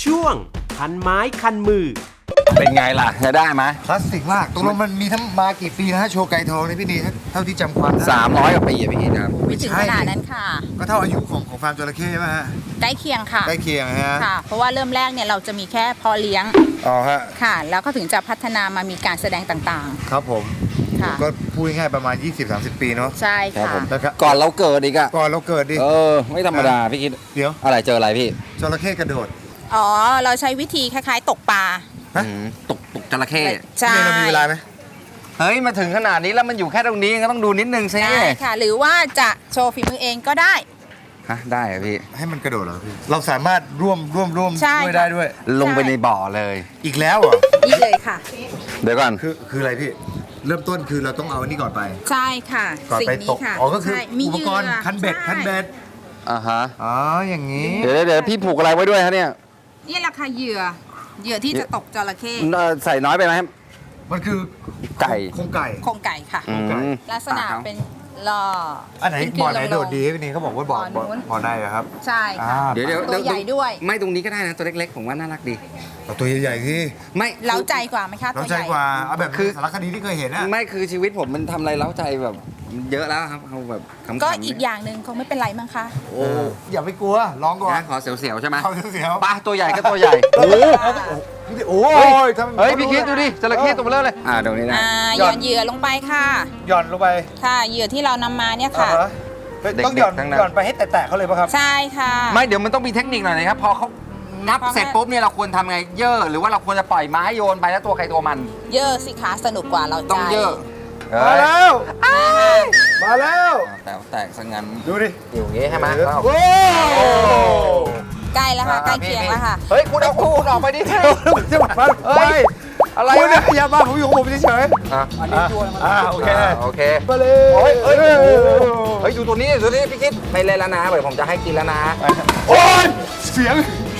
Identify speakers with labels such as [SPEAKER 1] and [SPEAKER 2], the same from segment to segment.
[SPEAKER 1] ช่วงคันไม้คันมือ
[SPEAKER 2] เป็นไงล่ะจะได้ไหม
[SPEAKER 3] คลาสสิกมากตกลงมันมีทั้งมากี่ปีนะฮะโชว์ไก่ทองนี่พี่นีเท่าที่จำความได้
[SPEAKER 2] 300 กว่าปีอะพี่กิตครับ
[SPEAKER 4] ไม่ถึงขนาดนั้นค่ะ
[SPEAKER 3] ก็เท่าอายุของฟาร์มจระเข้ใช่ไหมฮะ
[SPEAKER 4] ใกล้เคียงค่ะ
[SPEAKER 3] ใกล้เคียงฮะ
[SPEAKER 4] ค่ะ เพราะว่าเริ่มแรกเนี่ยเราจะมีแค่พอเลี้ยง
[SPEAKER 3] อ๋อฮะ
[SPEAKER 4] ค่ะ แล้วก็ถึงจะพัฒนามามีการแสดงต่าง
[SPEAKER 3] ๆครับผมก็พูดง่ายๆประมาณ 20-30 ปีเนาะ
[SPEAKER 4] ใช่ค่ะ
[SPEAKER 2] ก่อนเราเกิดอีกอะ
[SPEAKER 3] ก่อนเราเกิดดิ
[SPEAKER 2] ไม่ธรรมดาพี่คิด
[SPEAKER 3] เดี๋ยว
[SPEAKER 2] อะไรเจออะไรพี่
[SPEAKER 3] จระเข้กระโดด
[SPEAKER 4] อ๋อเราใช้วิธีคล้ายๆตกปลา
[SPEAKER 2] ตกจระเข้
[SPEAKER 4] ใช่
[SPEAKER 3] เรามีเวลาไหม
[SPEAKER 2] เฮ้ยมาถึงขนาดนี้แล้วมันอยู่แค่ตรงนี้ก็ต้องดูนิดนึงสิ
[SPEAKER 4] ใช่ค่ะหรือว่าจะโชว์ฝีมือเองก็ได้
[SPEAKER 2] ฮะได้อะพี่
[SPEAKER 3] ให้มันกระโดดเหรอพี่เราสามารถร่วมด้วยได้ด้วย
[SPEAKER 2] ลงไปในบ่อเลย
[SPEAKER 3] อีกแล้วเหรอ
[SPEAKER 4] นี่เลยค่ะ
[SPEAKER 2] เดี๋ยวก่อน
[SPEAKER 3] คืออะไรพี่เริ่มต้นคือเราต้องเอาอันนี้ก่อนไป
[SPEAKER 4] ใช่ค่ะ
[SPEAKER 3] ก่อนไปตกอ๋อก็คืออุปกรณ์คันเบ็ด
[SPEAKER 2] อ่าฮะ
[SPEAKER 3] อ๋ออย่างนี้
[SPEAKER 2] เดี๋ยวพี่ผูกอะไรไว้ด้วยฮะเนี่ย
[SPEAKER 4] นี่แหละค่ะเหยื่อที่จะตกจระเข้
[SPEAKER 2] ใส่น้อยไปไหม
[SPEAKER 3] มันคือ
[SPEAKER 2] ไก่
[SPEAKER 3] โครงไก่
[SPEAKER 4] ค่ะลักษณะเป็นล่อ
[SPEAKER 3] อันไหนบ่อไหนโดดดีพี่นี่เขาบอกว่าบ่อในครับ
[SPEAKER 4] ใช่ค่ะ
[SPEAKER 2] เดี๋ยว
[SPEAKER 4] ตัวใหญ่ด้วย
[SPEAKER 2] ไม่ตรงนี้ก็ได้นะตัวเล็กๆผมว่าน่ารักดี
[SPEAKER 3] ตัวใหญ่ๆที่
[SPEAKER 2] ไม่
[SPEAKER 4] เล้าใจกว่าไหมคะ
[SPEAKER 3] เล้าใจกว่าเอาแบบคือสารคดีที่เคยเห็นนะ
[SPEAKER 2] ไม่คือชีวิตผมมันทำอะไรเล้าใจแบบเยอะแล้วครับเอาแบบขำๆ
[SPEAKER 4] ก็อีกอย่างหนึ่งคงไม่เป็นไรมั้งคะ
[SPEAKER 3] โอ้อย่าไปกลัวลองก่อน
[SPEAKER 2] ขอเสียวๆใช่ไหม
[SPEAKER 3] ขอเสียว
[SPEAKER 2] ป้าตัวใหญ่ก็ตัวใหญ่
[SPEAKER 3] โอ้ย
[SPEAKER 2] เฮ้ยพี่คิดดูดิจระเข้ตัวเบลอเลยตรงนี้นะ
[SPEAKER 4] หย่อนเหยื่อลงไปค่ะ
[SPEAKER 3] หย่อนลงไป
[SPEAKER 4] ค่ะเหยื่อที่เรานำมาเนี่ยค่ะ
[SPEAKER 3] ต้องหย่อนไปให้แตะเขาเลยป่ะครับ
[SPEAKER 4] ใช่ค่ะ
[SPEAKER 2] ไม่เดี๋ยวมันต้องมีเทคนิคหน่อยนะครับพอเขานับเสร็จปุ๊บเนี่ยเราควรทำไงเย่อหรือว่าเราควรจะปล่อยไม้โยนไปแล้วตัวใครตัวมัน
[SPEAKER 4] เย่อสิคะสนุกกว่าเรา
[SPEAKER 2] ต้องเย่อ
[SPEAKER 3] มาแล้วมาแล้ว
[SPEAKER 2] แตกซะงั้น
[SPEAKER 3] ดูดิ
[SPEAKER 2] อยู่อย่างงี้ใช่ไหม
[SPEAKER 3] โอ้
[SPEAKER 4] ใกล้แล้วค่ะใกล้เคียงแล้วค่ะ
[SPEAKER 2] เฮ้ยคุณเอาคู่ออกไปดิ
[SPEAKER 3] จะมาเฮ้ยอะไรคุณเนี่ยอย่ามาผมอยู่ของผมเฉย
[SPEAKER 2] อันนี้ตัวมันโอเค
[SPEAKER 3] มาเลย
[SPEAKER 2] เฮ้ยดูตัวนี้พี่คิดไม่เล่นแล้วนะเดี๋ยวผมจะให้กินแล้วนะ
[SPEAKER 3] โอ้ยเสียง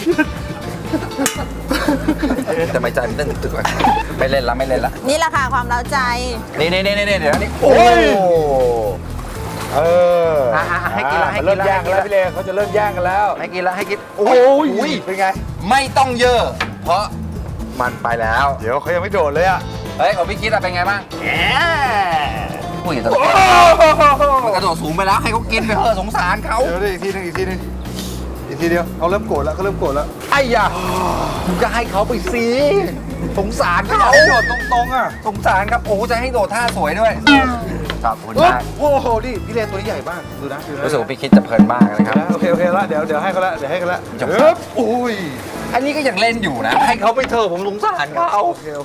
[SPEAKER 2] แต่ไม่ใจมันเต้นตึกๆไม่เล่นละ
[SPEAKER 4] นี่แหละค่ะความเล้าใจ
[SPEAKER 2] นี่เดี๋ยวนี้
[SPEAKER 3] โอ้ย
[SPEAKER 2] ให้กินแล้ว
[SPEAKER 3] เริ่มแย่งกันแล้วพี่เลเขาจะเริ่มแย่งกันแล้ว
[SPEAKER 2] ให้กินแล้วให้กิน
[SPEAKER 3] โอ้ยเป็นไง
[SPEAKER 2] ไม่ต้องเยอะเพราะมันไปแล้ว
[SPEAKER 3] เดี๋ยวเขายังไม่โดดเลยอ่ะ
[SPEAKER 2] เฮ้ยของพี่คิดเป็นไงบ้างผู้หญิงตัวมันกระโดดสูงไปแล้วให้เขากินไปเถอะสงสารเขา
[SPEAKER 3] เดี๋ยวอีกทีนึงอีกทีเดียวเขาเริ่มโกรธแล้ว
[SPEAKER 2] ไอ้ยาผมจะให้เขาไปสิสงสารเขา
[SPEAKER 3] โดดตรงอ่ะ
[SPEAKER 2] สงสารครับโอ้จะให้โดดท่าสวยด้วยขอบคุณมาก
[SPEAKER 3] โอ้โหดิพี่เลตัวนี้ใหญ่มากดูนะ
[SPEAKER 2] รู้สึกว่าพี่คิดจะเพลินมากนะครับ
[SPEAKER 3] โอเคแล้วเดี๋ยวให้เขาละอุ้ย
[SPEAKER 2] อันนี้ก็ยังเล่นอยู่นะให้เขาไปเถอะผมสงสารเขา
[SPEAKER 3] โอเค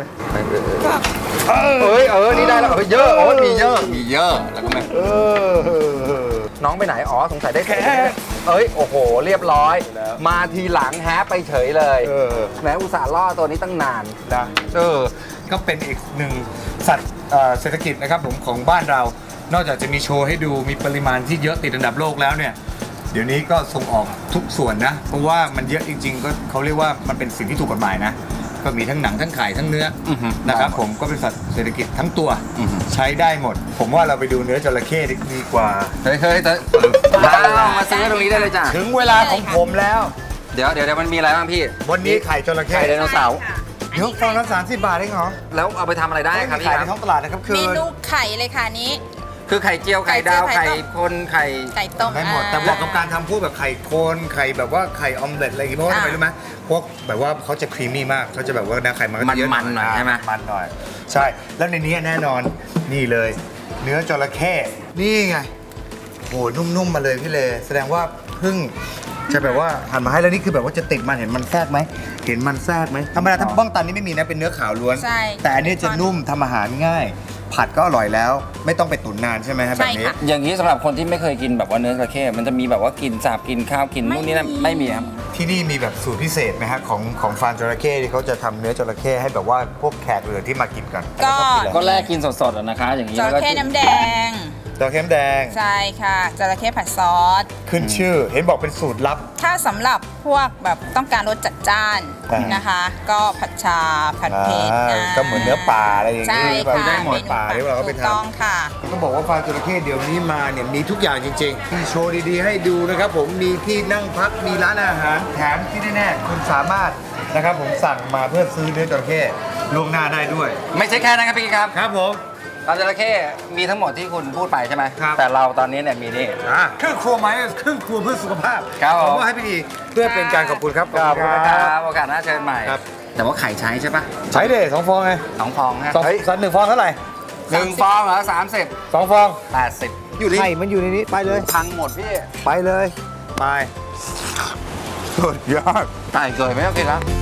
[SPEAKER 2] นี่ได้แล้วเยอะมีเยอะแล้วก็ไม่น้องไปไหนสงสัยได้แค่โอ้โหเรียบร้อยมาทีหลังไปเฉยเลยแม้อุตส่าห์ล่อตัวนี้ตั้งนาน
[SPEAKER 3] นะก็เป็นอีกหนึ่งสัตว์เศรษฐกิจนะครับผมของบ้านเรานอกจากจะมีโชว์ให้ดูมีปริมาณที่เยอะติดอันดับโลกแล้วเนี่ยเดี๋ยวนี้ก็ส่งออกทุกส่วนนะเพราะว่ามันเยอะจริงๆก็เขาเรียกว่ามันเป็นสิ่งที่ถูกกฎหมายนะก็มีทั้งหนังทั้งไข่ทั้งเนื้อนะครับผมก็เป็นสัตว์เศรษฐกิจทั้งตัวใช้ได้หมดผมว่าเราไปดูเนื้อจระเข้ดีกว่า
[SPEAKER 2] เฮ้ยมาซื้อตรงนี้ได้เลยจ้ะ
[SPEAKER 3] ถึงเวลาของผมแล้ว
[SPEAKER 2] เดี๋ยวมันมีอะไรบ้างพี่
[SPEAKER 3] วันนี้ไข่จระเข้
[SPEAKER 2] ไข่ไดโนเสาร์
[SPEAKER 3] เดี๋ยวฟองละ30 บาทเองเหรอ
[SPEAKER 2] แล้วเอาไปทำอะไรได้ครับพี่
[SPEAKER 3] ขายในท้องตลาดนะครับคือ
[SPEAKER 4] เมนูไข่เลยค่ะนี้
[SPEAKER 2] คือไข่เจียวไข่ดาวไข่คนไ
[SPEAKER 4] ข่ต้ม
[SPEAKER 3] ได้หมดแต่เหมาะกับการทำพวกแบบไข่โคนไข่แบบว่าไข่ออมเล็ตอะไรอย่างงี้เพราะว่าทำไมรู้ไหมพวกแบบว่าเขาจะครีมมี่มากเขาจะแบบว่าไข่มันเยอะ
[SPEAKER 2] มันหน่อยใช่ไหม
[SPEAKER 3] มันหน่อยใช่แล้วในนี้แน่นอนนี่เลยเนื้อจระเข้นี่ไงโหนุ่มๆมาเลยพี่เลแสดงว่าเพิ่งจะแบบว่าหั่นมาให้แล้วนี่คือแบบว่าจะติดมันเห็นมันแทรกไหมธรรมดาถ้าบ้องตันนี่ไม่มีนะเป็นเนื้อขาวล้วนแต่อันนี้จะนุ่มทำอาหารง่ายผัดก็อร่อยแล้วไม่ต้องไปตุ๋นนานใช่ไหมครับแบบนี้
[SPEAKER 2] อย่างนี้สำหรับคนที่ไม่เคยกินแบบว่าเนื้อจระเข้มันจะมีแบบว่ากินสาบกินข้าวกินนู่นนี่นั่นไม่มีครับ
[SPEAKER 3] ที่นี่มีแบบสูตรพิเศษไหมฮะของฟาร์มจระเข้ที่เขาจะทำเนื้อจระเข้ให้แบบว่าพวกแขกเรือที่มากินกัน
[SPEAKER 2] ก็แลกกินสดๆนะคะอย่างนี้
[SPEAKER 4] จระเข้น้ำแดง
[SPEAKER 3] จระเข้น้ำแดง
[SPEAKER 4] ใช่ค่ะจระเข้ผัดซอส
[SPEAKER 3] ขึ้นชื่อ เห็นบอกเป็นสูตรลับ
[SPEAKER 4] ถ้าสำหรับพวกแบบต้องการรสจัดจ้าน
[SPEAKER 3] อ่าน
[SPEAKER 4] นะคะ ก็ผัดชาผัดเผ็ด
[SPEAKER 3] ก็เหมือนเนื้อป่าอะไรอย่าง
[SPEAKER 4] ใช่
[SPEAKER 3] นี้
[SPEAKER 4] ค่ะ
[SPEAKER 3] ได้หมดป่าที่เราก็ไป
[SPEAKER 4] ถูกต้อง
[SPEAKER 3] ทำ
[SPEAKER 4] ค่ะ
[SPEAKER 3] ต้องบอกว่าฟาร์มจระเข้เดี๋ยวนี้มาเนี่ยมีทุกอย่างจริงๆมีโชว์ดีๆให้ดูนะครับผมมีที่นั่งพักมีร้านอาหารแถมที่แน่ๆคุณสามารถนะครับผมสั่งมาเพื่อซื้อเนื้อจระเข้ล่วงหน้าได้ด้วย
[SPEAKER 2] ไม่ใช่แค่นั้นครับพี่ครับ
[SPEAKER 3] ครับผม
[SPEAKER 2] ปลาจระเข้มีทั้งหมดที่คุณพูดไปใช่ไหม
[SPEAKER 3] ครับ
[SPEAKER 2] แต่เราตอนนี้เนี่ยมีนี่
[SPEAKER 3] เครื่องครัวไหมเครื่องครัวเพื่อสุขภาพ
[SPEAKER 2] ครับ
[SPEAKER 3] ข
[SPEAKER 2] ผ
[SPEAKER 3] อ
[SPEAKER 2] ม
[SPEAKER 3] มอบให้พี่ดีเพื่อเป็นการขอบคุณครับ
[SPEAKER 2] ขอบคุณนะครับโอกาสหน้าเชิญใหม่
[SPEAKER 3] ครับ
[SPEAKER 2] แต่ว่าไข่ใช้ใช่ปะ
[SPEAKER 3] ใช้เด้2 ฟองไง
[SPEAKER 2] 2 ฟองฮะ
[SPEAKER 3] หนึ่งฟองเท่าไหร่
[SPEAKER 2] 1 ฟองเหรอ30
[SPEAKER 3] 2 ฟอง
[SPEAKER 2] 80อยู่นี่
[SPEAKER 3] ไข่มันอยู่ในนี้ไปเลย
[SPEAKER 2] พังหมดพี่
[SPEAKER 3] ไปเลยไปสุดยอด
[SPEAKER 2] ไก่เกิดไหมครับพี่ครับ